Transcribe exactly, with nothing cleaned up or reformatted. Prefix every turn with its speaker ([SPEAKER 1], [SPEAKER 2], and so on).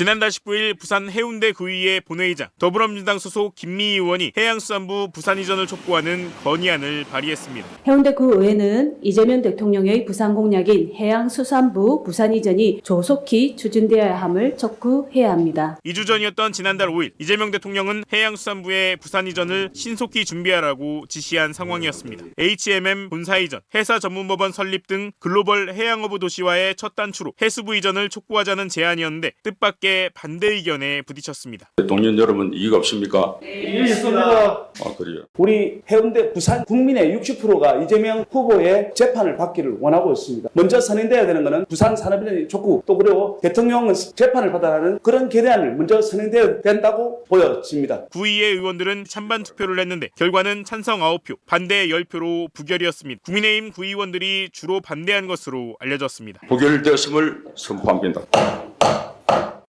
[SPEAKER 1] 지난달 십구 일 부산 해운대 구의회 본회의장 더불어민주당 소속 김미희 의원이 해양수산부 부산 이전을 촉구하는 건의안을 발의했습니다.
[SPEAKER 2] 해운대 구의회는 이재명 대통령의 부산 공약인 해양수산부 부산 이전이 조속히 추진되어야 함을 촉구해야 합니다.
[SPEAKER 1] 이 주 전이었던 지난달 오 일 이재명 대통령은 해양수산부의 부산 이전을 신속히 준비하라고 지시한 상황이었습니다. 에이치엠엠 본사 이전, 해사 전문법원 설립 등 글로벌 해양어부 도시화의 첫 단추로 해수부 이전을 촉구하자는 제안이었는데 뜻밖의 반대 의견에 부딪혔습니다.
[SPEAKER 3] 대통령 여러분 이의가 없습니까?
[SPEAKER 4] 네, 있습니다.
[SPEAKER 3] 아 그래요.
[SPEAKER 4] 우리 해운대 부산 국민의 육십 퍼센트가 이재명 후보의 재판을 받기를 원하고 있습니다. 먼저 선행돼야 되는 것은 부산 산업인의 촉구, 또 그리고 대통령은 재판을 받아라는 그런 결의안을 먼저 선행돼야 된다고 보여집니다.
[SPEAKER 1] 구의회 의원들은 찬반 투표를 했는데 결과는 찬성 아홉 표, 반대 십 표로 부결이었습니다. 국민의힘 구의원들이 주로 반대한 것으로 알려졌습니다.
[SPEAKER 3] 부결되었음을 선포합니다.